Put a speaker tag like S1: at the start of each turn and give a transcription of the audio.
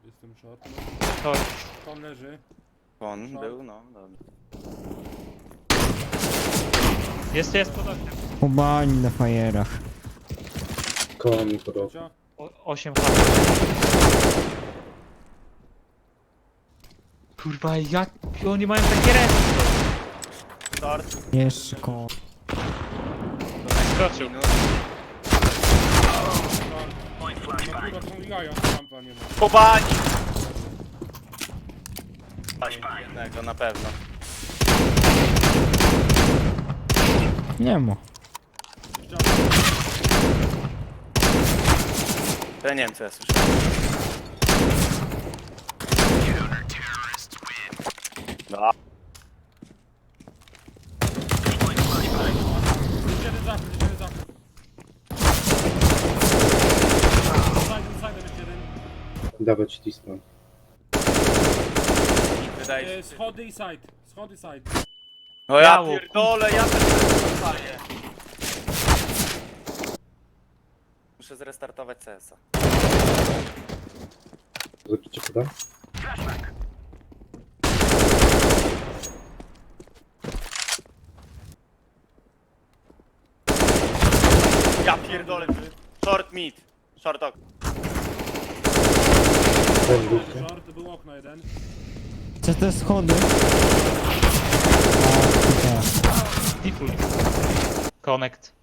S1: Jestem short.
S2: To
S1: Kon leży.
S3: On był, no, dobra.
S2: jest pod oknem.
S4: Ubani na fajerach.
S5: Koło mi podoba.
S1: Cio.
S2: 8 HP. Kurwa, jak oni mają takie ręce?
S3: Short,
S4: Jeszcze koło.
S2: Skoczył.
S3: minus.
S1: No kurwa, są jaja, rampa nie ma.
S3: Pobani! Jednego na pewno.
S4: Nie ma.
S3: Ja nie wiem co ja słyszałem. No,
S1: Jeden zachód, jeden zachód. Side jeszcze jeden.
S5: Dawać display.
S3: wydaje się.
S1: Schody i side. Schody side.
S3: No ja
S2: Biało,
S3: pierdolę, ja też dostaję. Muszę zrestartować CS-a.
S5: Zobaczycie poda?
S3: Ja pierdolę. Short mid. Short ok.
S1: Short, był okno jeden.
S4: Co te schody? A, tutaj.
S2: Default. Connect.